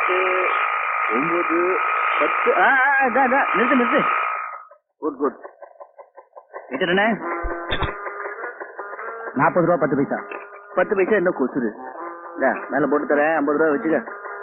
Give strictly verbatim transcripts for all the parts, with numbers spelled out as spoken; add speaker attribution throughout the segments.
Speaker 1: எட்டு ஒன்பது பத்து நிறுத்து நிறுத்து குட் குட் என்ன நாற்பது ரூபா பத்து பைசா பத்து பைசா என்ன கொசுரு மேல போட்டு தரேன் ஐம்பது ரூபா வச்சுக்க.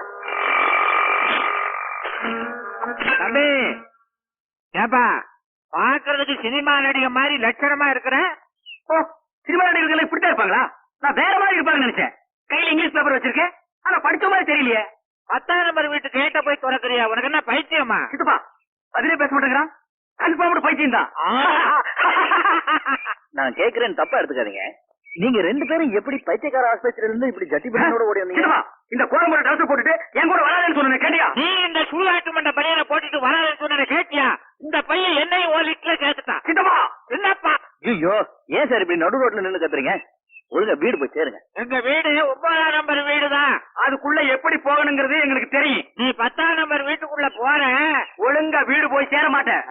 Speaker 2: தம்பி ஏப்பா பாக்குறதுக்கு சினிமா நடிகை மாதிரி லட்சணமா இருக்கிறேன்.
Speaker 1: ஓ சினிமா நடிகர்கள் இப்படித்தான் இருப்பாங்களா? நான் வேற மாதிரி இருப்பாங்கன்னு நினைச்சேன். கையில இங்கிலீஷ் பேப்பர் வச்சிருக்கேன் ஆனா படிச்ச மாதிரி தெரியலையே.
Speaker 2: பத்தாம் நம்பர் வீட்டு கேட்ட போய் திறக்கிறியா? உனக்கு என்ன பைத்தியமா?
Speaker 1: சித்தப்பா பதிலே பேச மாட்டேங்கிறான். கன்ஃபார்ம் பைத்தியம் தான். நான் கேக்குறேன்னு தப்பா எடுத்துக்காதீங்க. நீங்க ரெண்டு பேரும் எப்படி பைத்தியக்கார ஆஸ்பத்திரியில இருந்து இப்படி ஜட்டி பண்ணோட ஓடி வந்தீங்க? இந்த கோரம்பர ட்ரெஸ் போட்டுட்டு என் கூட வராதுன்னு சொன்ன கேட்டியா?
Speaker 2: நீ இந்த சுடுகாட்டு மண்ட பையனை போட்டுட்டு வராதுன்னு சொன்ன கேட்டியா? இந்த பையன் என்னையும் ஒரு லிட்டர்ல கேட்டுட்டான்.
Speaker 1: சித்தப்பா
Speaker 2: என்னப்பா?
Speaker 1: ஐயோ ஏன் சார் இப்படி நடு ரோட்ல நின்னு கத்துறீங்க? ஒழுங்கா வீடு போய் சேருங்க.
Speaker 2: எங்க வீடு ஒன்பதாம் நம்பர் வீடுதான்.
Speaker 1: அதுக்குள்ள எப்படி போகணுங்கிறது எங்களுக்கு தெரியும்.
Speaker 2: நீ பத்தாம் நம்பர் வீட்டுக்குள்ள போற
Speaker 1: ஒழுங்கா வீடு போய் சேர மாட்டேன்.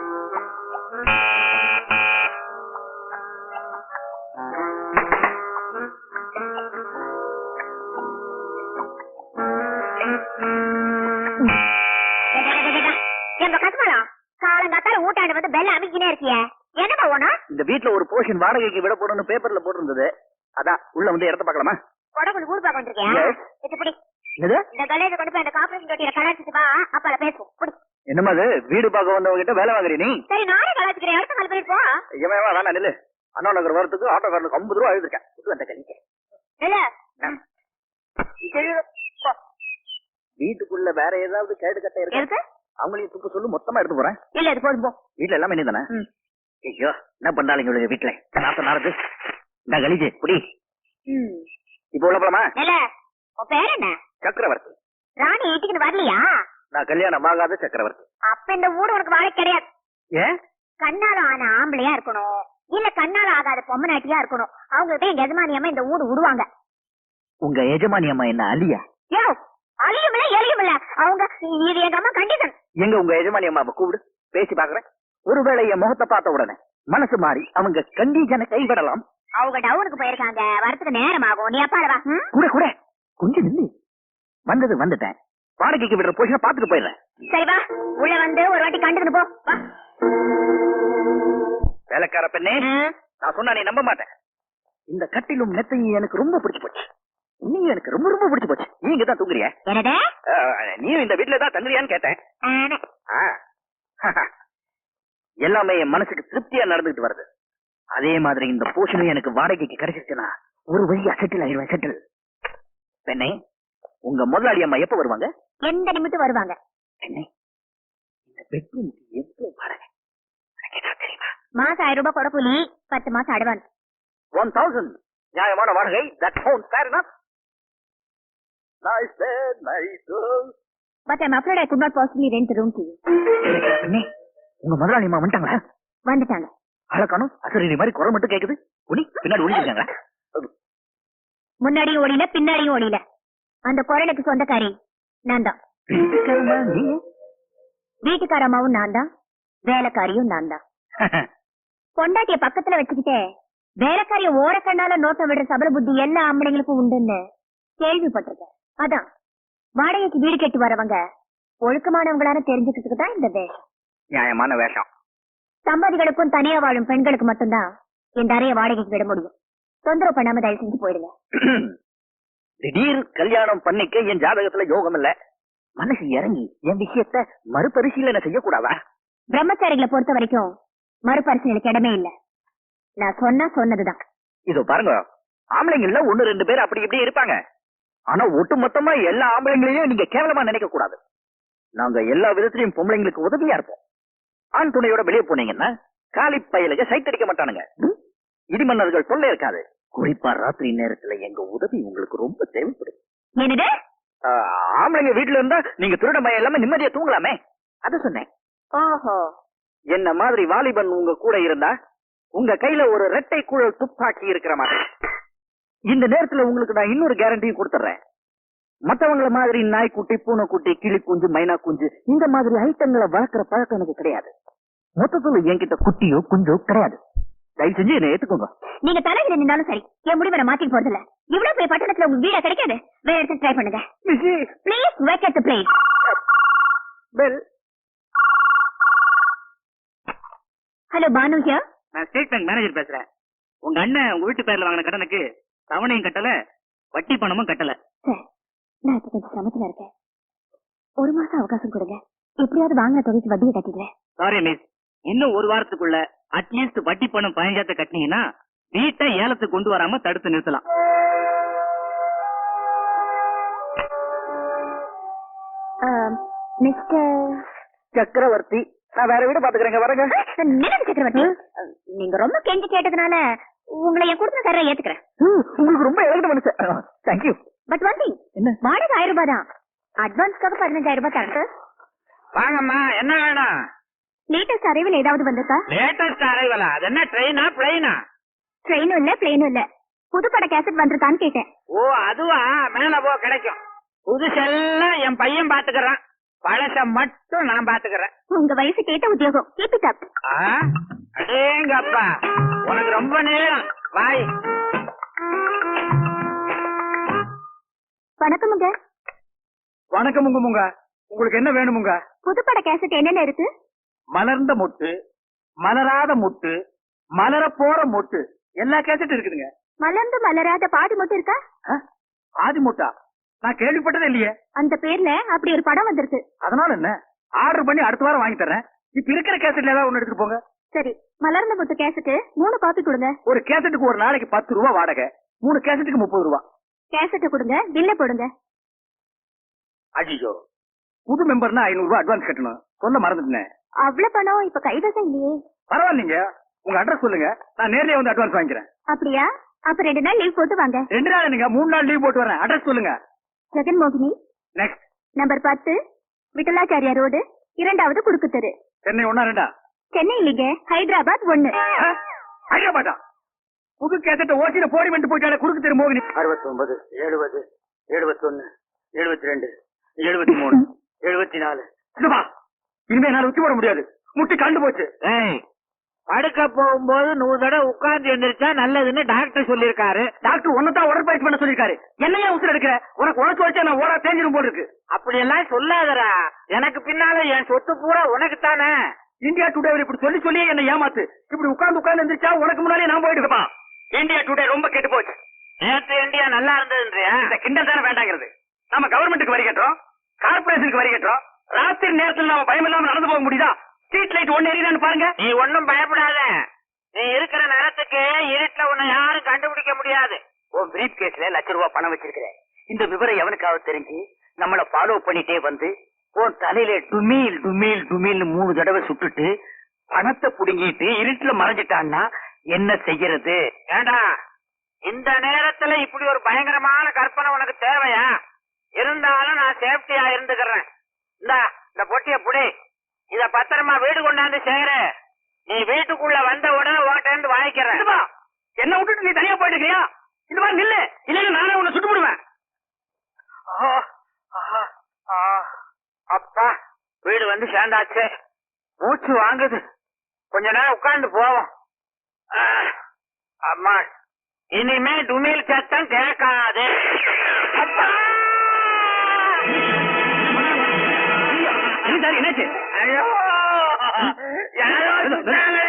Speaker 3: ஊட்டாண்டு வந்து பெல்ல அமைக்கினே இருக்கிய என்னப்பா ஒண்ணு?
Speaker 1: இந்த வீட்டுல ஒரு போர்ஷன் வாடகைக்கு விட போறோம்னு பேப்பர்ல போட்டிருந்தது. அதான் உள்ள வந்து இடத்த பாக்கலாமா?
Speaker 3: கொடகுல ஊர் பாக்க வந்திருக்கேன். இப்படி இந்த கலையில கொண்டு போய் அந்த கார்பரேஷன் தொட்டியில கலாச்சிட்டு வா, அப்பல பேசுவோம்.
Speaker 1: என்னமா அது வீடு பார்க்க வந்தவங்க கிட்ட வேலை வாங்குறீ நீ?
Speaker 3: சரி நானே கலாச்சிக்கிறேன். அடுத்த கால் போயிட்டு போ.
Speaker 1: ஏமா வேணாம் நில்லு. அண்ணா நகர் வரத்துக்கு ஆட்டோக்காரனுக்கு ஐம்பது ரூபா எழுதிருக்கேன். அந்த கழிக்க வீட்டுக்குள்ள வேற ஏதாவது கேடு கட்ட இருக்கு? அவங்களையும் துப்பு சொல்லு, மொத்தமா எடுத்து போறேன்.
Speaker 3: இல்ல இது போதும் போ.
Speaker 1: வீட்டுல எல்லாமே நீ தானே? ஐயோ என்ன பண்ணாலும் இவளுங்க வீட்டுல நாத்த நாரது. நான் கழிச்சு குடி. இப்ப உள்ள போலாமா?
Speaker 3: இல்ல உன் பேர் என்ன?
Speaker 1: சக்கரவர்த்தி.
Speaker 3: ராணி வீட்டுக்கு வரலையா?
Speaker 1: நான் கல்யாணம் ஆகாத சக்கரவர்த்தி.
Speaker 3: அப்ப இந்த ஊடு உனக்கு வாழ கிடையாது.
Speaker 1: ஏன்?
Speaker 3: கண்ணால ஆன ஆம்பளையா இருக்கணும், இல்ல கண்ணால ஆகாத பொம்மநாட்டியா இருக்கணும். அவங்ககிட்ட எங்க எஜமானி அம்மா இந்த ஊடு விடுவாங்க.
Speaker 1: உங்க எஜமானி அம்மா என்ன அலியா?
Speaker 3: யோ அழியும் இல்ல எலியும் இல்ல அவங்க. இது எங்க அம்மா கண்டிஷன்.
Speaker 1: எங்க உங்க எஜமானி அம்மா கூப்பிடு, பேசி பாக்குறேன். ஒருவேளை என் முகத்தை பார்த்த உடனே மனசு மாறி அவங்க கண்டிஷனை கைவிடலாம்.
Speaker 3: அவங்க டவுனுக்கு போயிருக்காங்க, வரத்துக்கு நேரம் ஆகும். நீ அப்பால வா.
Speaker 1: கூட கூட கொஞ்சம் நில்லு. வந்தது வந்துட்டேன். வாடகைக்கு விடுற போஷனை பாத்துட்டு போயிடுறேன்.
Speaker 3: சரி வா, உள்ள வந்து ஒரு வாட்டி கண்டுக்கிட்டு போ. வா.
Speaker 1: வேலைக்கார பெண்ணே, நான் சொன்னா நீ நம்ப மாட்டேன். இந்த கட்டிலும் நெத்தையும் எனக்கு ரொம்ப பிடிச்சு போச்சு. நீ எனக்கு ரொம்ப ரொம்ப பிடிச்சு போச்சு. நீ இங்கதான் தூங்குறியா? நீ இந்த வீட்டுல தான் தங்குறியான்னு கேட்டேன். எல்லாமே என் மனசுக்கு திருப்தியா நடந்துட்டு வருது. அதே மாதிரி இந்த போஷனும் எனக்கு வாடகைக்கு கிடைச்சிருச்சுன்னா ஒரு வழியா செட்டில் ஆயிடுவேன். செட்டில். பெண்ணே, உங்க முதலாளி அம்மா எப்ப வருவாங்க?
Speaker 3: எந்த நிமிஷம் வருவாங்க.
Speaker 1: பெண்ணே, இந்த பெட்ரூம் எவ்வளவு வாடகை தெரியுமா?
Speaker 3: மாசம் ஆயிரம் ரூபாய் கொடப்புலி, பத்து மாசம் அட்வான்ஸ்.
Speaker 1: ஒன் தௌசண்ட் நியாயமான வாடகை. That sounds fair enough. Nice bed, nice girl.
Speaker 3: But I'm afraid I could not possibly rent the room to you.
Speaker 1: பெண்ணே, உங்க முதலாளி அம்மா வந்துட்டாங்களா?
Speaker 3: வந்துட்டாங்க.
Speaker 1: அழகானும் அசரீரி மாதிரி குரல் மட்டும் கேக்குது. ஒளி பின்னாடி ஒளிஞ்சிருக்காங்க.
Speaker 3: முன்னாடியும் ஓடில பின்னாடியும் ஓடில. அந்த குரலுக்கு சொந்தக்காரி நான் தான். வீட்டுக்கார அம்மாவும் நான் தான், வேலைக்காரியும் நான் தான். பொண்டாட்டிய பக்கத்துல வச்சுக்கிட்டே வேலைக்காரிய ஓரக்கண்ணால நோட்டம் விடுற சபல புத்தி எல்லா ஆம்பளைங்களுக்கும் உண்டுன்னு கேள்விப்பட்டிருக்கேன். அதான் வாடகைக்கு வீடு கேட்டு வரவங்க ஒழுக்கமானவங்களான தெரிஞ்சுக்கிறதுக்கு தான் இந்த வேஷம்.
Speaker 1: நியாயமான வேஷம்.
Speaker 3: சம்பாதிகளுக்கும் தனியா வாழும் பெண்களுக்கு மட்டும்தான் இந்த அறைய வாடகைக்கு விட முடியும். தொந்தரவு பண்ணாம தயவு செஞ்சு போயிடுங்க.
Speaker 1: திடீர் கல்யாணம் பண்ணிக்க என் ஜாதகத்துல யோகம் இல்ல. மனசு இறங்கி என் விஷயத்த மறுபரிசீலனை செய்யக்கூடாதா?
Speaker 3: பிரம்மச்சாரிகளை பொறுத்த வரைக்கும் மறுபரிசீலனைக்கு இடமே இல்ல. நான் சொன்னா சொன்னதுதான்.
Speaker 1: இதோ பாருங்க, ஆம்பளைங்கள்ல ஒண்ணு ரெண்டு பேர் அப்படி இப்படி இருப்பாங்க. ஆனா ஒட்டு மொத்தமா எல்லா ஆம்பளைங்களையும் நீங்க கேவலமா நினைக்க கூடாது. நாங்க எல்லா விதத்திலையும் பொம்பளைங்களுக்கு உதவியா இருப்போம். ஆண் துணையோட வெளியே போனீங்கன்னா காலி பயலுக சைத்தடிக்க மாட்டானுங்க. இடிமன்னர்கள் தொல்லை இருக்காது. குறிப்பா ராத்திரி நேரத்துல எங்க உதவி உங்களுக்கு ரொம்ப தேவைப்படும்.
Speaker 3: என்னது?
Speaker 1: ஆம்பளைங்க வீட்டுல இருந்தா நீங்க திருட மயம் எல்லாமே நிம்மதியா தூங்கலாமே, அத சொன்னேன்.
Speaker 3: ஓஹோ.
Speaker 1: என்ன மாதிரி வாலிபன் உங்க கூட இருந்தா உங்க கையில ஒரு ரெட்டை குழல் துப்பாக்கி இருக்கிற மாதிரி. இந்த நேரத்துல உங்களுக்கு நான் இன்னொரு கேரண்டியும் கொடுத்துறேன். மத்தவங்கள மாதிரி நாய்க்குட்டி, பூனைக்குட்டி, கிளி குஞ்சு, மைனா குஞ்சு இந்த மாதிரி ஐட்டங்களை வளர்க்கிற பழக்கம் எனக்கு கிடையாது. மொத்தத்துல என்கிட்ட குட்டியோ குஞ்சோ கிடையாது. தயவு செஞ்சு என்ன ஏத்துக்கோங்க.
Speaker 3: நீங்க தலையில நின்னாலும் சரி, என் முடிவை நான் மாத்திட்டு போறது இல்ல. இவ்வளவு போய் பட்டணத்துல உங்க வீடா கிடைக்காது. வேற இடத்துல ட்ரை பண்ணுங்க. Please wait at the place.
Speaker 1: Bell.
Speaker 3: Hello Banu here.
Speaker 2: நான் ஸ்டேட் பேங்க் மேனேஜர் பேசுறேன். உங்க அண்ணன் உங்க வீட்டு பேர்ல வாங்கின கடனுக்கு தவணையும் கட்டல, வட்டி பணமும் கட்டல.
Speaker 3: சார், நான் இப்ப கொஞ்சம் சிரமத்துல இருக்கேன். ஒரு மாசம் அவகாசம் கொடுங்க. எப்படியாவது வாங்கின தொகைக்கு வட்டியை கட்டிடுறேன்.
Speaker 2: சாரி மிஸ், இன்னும் ஒரு வாரத்துக்குள்ள அட்லீஸ்ட் வட்டி பணம் பதினஞ்சாயிரத்தை கட்டினீங்கன்னா வீட்டை ஏலத்துக்கு கொண்டு வராம தடுத்து நிறுத்தலாம்.
Speaker 3: மிஸ்டர்
Speaker 1: சக்கரவர்த்தி, நான் வேற வீடு பாத்துக்கிறேங்க. வரங்க.
Speaker 3: நினைவு சக்கரவர்த்தி, நீங்க ரொம்ப கெஞ்சி கேட்டதுனால உங்களை என் கொடுத்த தர ஏத்துக்கிறேன்.
Speaker 1: உங்களுக்கு ரொம்ப இறங்கிட்ட மனுஷன். தேங்க்யூ.
Speaker 3: பட் ஒன் திங்,
Speaker 1: என்ன?
Speaker 3: வாடகை ஆயிரம் ரூபாய் தான். அட்வான்ஸ்க்காக பதினஞ்சாயிரம் ரூபாய் தரேன்.
Speaker 2: வாங்கம்மா, என்ன வேணும்?
Speaker 3: லேட்டஸ்ட் அரைவில் ஏதாவது வந்திருக்கா?
Speaker 2: லேட்டஸ்ட் அரைவலா? அது என்ன ட்ரெயினா பிளைனா?
Speaker 3: ட்ரெயினும் இல்ல பிளேனும் இல்ல. புதுப்பட கேசட் வந்திருக்கான்னு கேட்டேன்.
Speaker 2: ஓ அதுவா, மேல போ கிடைக்கும். புதுசெல்லாம் என் பையன் பாத்துக்கிறான், பழச மட்டும் நான் பாத்துக்கிறேன்.
Speaker 3: உங்க வயசு கேட்ட உத்தியோகம். Keep it up.
Speaker 2: அடேங்கப்பா, உனக்கு ரொம்ப நேரம். வாய்.
Speaker 3: வணக்கமுங்க.
Speaker 1: வணக்கம் உங்க முங்க. உங்களுக்கு என்ன வேணுமுங்க?
Speaker 3: புதுப்பட கேசட் என்னென்ன இருக்கு?
Speaker 1: மலர்ந்த மொட்டு, மலராத மொட்டு, மலர போற மொட்டு, எல்லா கேசட்டும் இருக்குதுங்க.
Speaker 3: மலர்ந்து மலராத பாதி மட்டும் இருக்கா?
Speaker 1: ஆதி மொட்டா நான் கேள்விப்பட்டதே இல்லையே.
Speaker 3: அந்த பேர்ல அப்படி ஒரு படம் வந்திருக்கு.
Speaker 1: அதனால என்ன, ஆர்டர் பண்ணி அடுத்த வாரம் வாங்கி தர்றேன். இப்ப இருக்கிற கேசட்ல ஏதாவது ஒண்ணு எடுத்துட்டு போங்க.
Speaker 3: சரி, மலர்ந்த மொட்டு கேசட் மூணு காப்பி கொடுங்க.
Speaker 1: ஒரு கேசட்டுக்கு ஒரு நாளைக்கு பத்து ரூபா வாடகை, மூணு கேசட்டுக்கு முப்பது ரூபா.
Speaker 3: கேசட்டை கொடுங்க, பில்ல போடுங்க.
Speaker 1: அஜிஜோ, புது மெம்பர்னா ஐநூறு ரூபாய் அட்வான்ஸ் கட்டணும். சொல்ல மறந்துட்டேன்.
Speaker 3: அவ்வளவு பணம் இப்ப கைவசம் இல்லையே.
Speaker 1: பரவாயில்லைங்க, உங்க அட்ரஸ் சொல்லுங்க, நான் நேர்லயே வந்து அட்வான்ஸ் வாங்கிக்கிறேன்.
Speaker 3: அப்படியா? அப்ப ரெண்டு நாள் லீவ் போட்டு வாங்க.
Speaker 1: ரெண்டு நாள் நீங்க மூணு நாள் லீவ் போட்டு வரேன். அட்ரஸ் சொல்லுங்க.
Speaker 3: ஜெகன் மோகினி,
Speaker 1: நெக்ஸ்ட்
Speaker 3: நம்பர் பத்து, விட்டலாச்சாரியா ரோடு, இரண்டாவது குறுக்கு தெரு.
Speaker 1: சென்னை ஒன்னா ரெண்டா?
Speaker 3: சென்னை இல்லைங்க, ஹைதராபாத் ஒண்ணு.
Speaker 1: ஹைதராபாத்தா? புது கேசட்ட ஓசியில போடி வந்து போயிட்டாலே குறுக்கு தெரு மோகினி.
Speaker 2: அறுபத்தி ஒன்பது, எழுபது, எழுபத்தி ஒன்னு, எழுபத்தி ரெண்டு, எழுபத்தி மூணு, எழுபத்தி நாலு.
Speaker 1: இனிமே என்னால உச்சி போட முடியாது, முட்டி கண்டு போச்சு.
Speaker 2: படுக்க போகும்போது நூறு தடவை உட்கார்ந்து எழுந்திருச்சா நல்லதுன்னு டாக்டர் சொல்லிருக்காரு.
Speaker 1: டாக்டர் ஒன்னதான் உடற்பயிற்சி பண்ண சொல்லிருக்காரு. என்னையா உசுர எடுக்கிற? உனக்கு உனக்கு வச்சா நான் ஓடா தேஞ்சிரும் போல இருக்கு.
Speaker 2: அப்படி எல்லாம் சொல்லாதரா, எனக்கு பின்னால என் சொத்து பூரா உனக்கு தானே.
Speaker 1: இந்தியா டுடே இப்படி சொல்லி சொல்லி என்ன ஏமாத்து. இப்படி உட்கார்ந்து உட்கார்ந்து எந்திரிச்சா உனக்கு முன்னாலே நான் போயிட்டு. இந்தியா டுடே ரொம்ப கெட்டு போச்சு.
Speaker 2: நேற்று இந்தியா நல்லா இருந்ததுன்றியா?
Speaker 1: இந்த கிண்டல் தானே வேண்டாங்கிறது. நம்ம கவர்மெண்ட்டுக்கு வரி கட்டுறோம், கார்பரேஷனுக்கு வரி கட்டுறோம். ராத்திரி நேரத்தில் நாம பயம் இல்லாம நடந்து போக முடியுதா? ஸ்ட்ரீட் லைட் ஒன்னு எரியுதான்னு பாருங்க.
Speaker 2: நீ ஒன்னும் பயப்படாத, நீ இருக்கிற நேரத்துக்கு இருட்டுல உன்னை யாரும் கண்டுபிடிக்க முடியாது.
Speaker 1: உன் பிரீப் கேஸ்ல லட்ச ரூபாய் பணம் வச்சிருக்கிறேன். இந்த விவரம் எவனுக்காவது தெரிஞ்சு நம்மள ஃபாலோ பண்ணிட்டே வந்து உன் தலையில டுமீல் டுமீல் டுமீல் மூணு தடவை சுட்டுட்டு பணத்தை புடுங்கிட்டு இருட்டுல மறைஞ்சிட்டான்னா என்ன செய்யறது?
Speaker 2: ஏண்டா, இந்த நேரத்துல இப்படி ஒரு பயங்கரமான கற்பனை உனக்கு தேவையா? இருந்தாலும் நான் சேஃப்டியா இருந்துக்கிறேன். இந்த இந்த பொட்டிய புடி, இத பத்திரமா வீடு கொண்டாந்து சேரு. நீ வீட்டுக்குள்ள வந்த உடனே உன்கிட்ட இருந்து வாங்கிக்கிறேன்.
Speaker 1: என்ன விட்டுட்டு நீ தனியா போயிட்டு இருக்கியா? இந்த மாதிரி நில்லு, இல்லைன்னா நானே உன்னை சுட்டு விடுவேன்.
Speaker 2: அப்பா, வீடு வந்து சேர்ந்தாச்சு. மூச்சு வாங்குது, கொஞ்ச நேரம் உட்கார்ந்து போவோம். அம்மா, இனிமே டுமில் சத்தம் கேட்காது. அப்பா,
Speaker 1: என்னாச்சு?
Speaker 2: ஐயோ, யாரோ சுட்டாங்களே.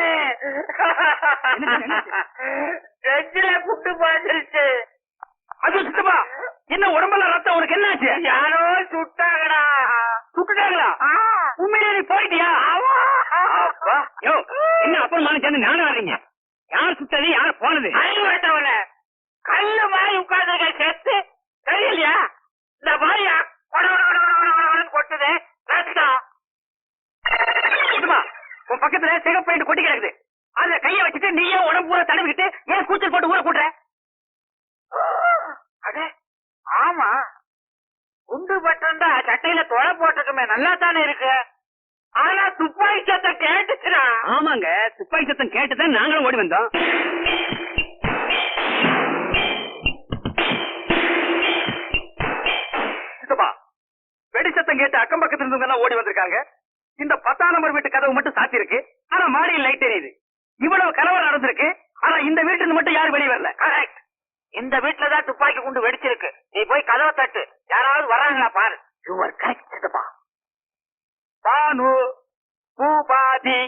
Speaker 2: நெஞ்சில புட்டு பாய்ச்சிருச்சு.
Speaker 1: அது சுத்தமா என்ன உடம்பெல்லாம் ரத்தம்? உனக்கு என்னாச்சு?
Speaker 2: யாரோ சுட்டாங்கடா.
Speaker 1: சுட்டுட்டாங்களா? உண்மையிலே நீ போயிட்டியா?
Speaker 2: அப்பா,
Speaker 1: யோ, என்ன அப்புறமான சேர்ந்து நானும் வர்றீங்க? யார் சுட்டது, யார் போனது?
Speaker 2: அறிவுட்டவன கல்லு மாதிரி உட்கார்ந்து சேர்த்து தெரியலையா? இந்த மாதிரியா கொட்டுது ரத்தம்.
Speaker 1: உன் பக்கத்துல சிகப்பு பெயிண்ட் கொட்டி கிடக்குது. அதுல கைய வச்சுட்டு நீயே உடம்பு பூரா தடவிக்கிட்டு ஏன் கூச்சல் போட்டு ஊற கூட்டுற?
Speaker 2: அடே ஆமா, குண்டு பட்டிருந்தா சட்டையில தொலை போட்டிருக்குமே, நல்லா தானே இருக்கு. ஆனா துப்பாக்கி சத்தம் கேட்டுச்சுனா?
Speaker 1: ஆமாங்க, துப்பாக்கி சத்தம் கேட்டுதான் நாங்களும் ஓடி வந்தோம். வெடி சத்தம் கேட்டு அக்கம் பக்கத்துல இருந்தவங்க எல்லாம் ஓடி வந்திருக்காங்க. இந்த பத்தாம் நம்பர் வீட்டு கதவு மட்டும் சாத்தி இருக்கு. ஆனா மாடியில் லைட் எரியுது. இவ்வளவு கலவரம் நடந்திருக்கு. ஆனா இந்த வீட்டுல இருந்து மட்டும் யாரும் வெளியே வரல.
Speaker 2: கரெக்ட். இந்த வீட்டுலதான் துப்பாக்கி குண்டு வெடிச்சிருக்கு. நீ போய் கதவை தட்டு, யாராவது வர்றாங்களா பாரு.
Speaker 1: யூ ஆர் கரெக்ட் சித்தப்பா. பானு பூபாதி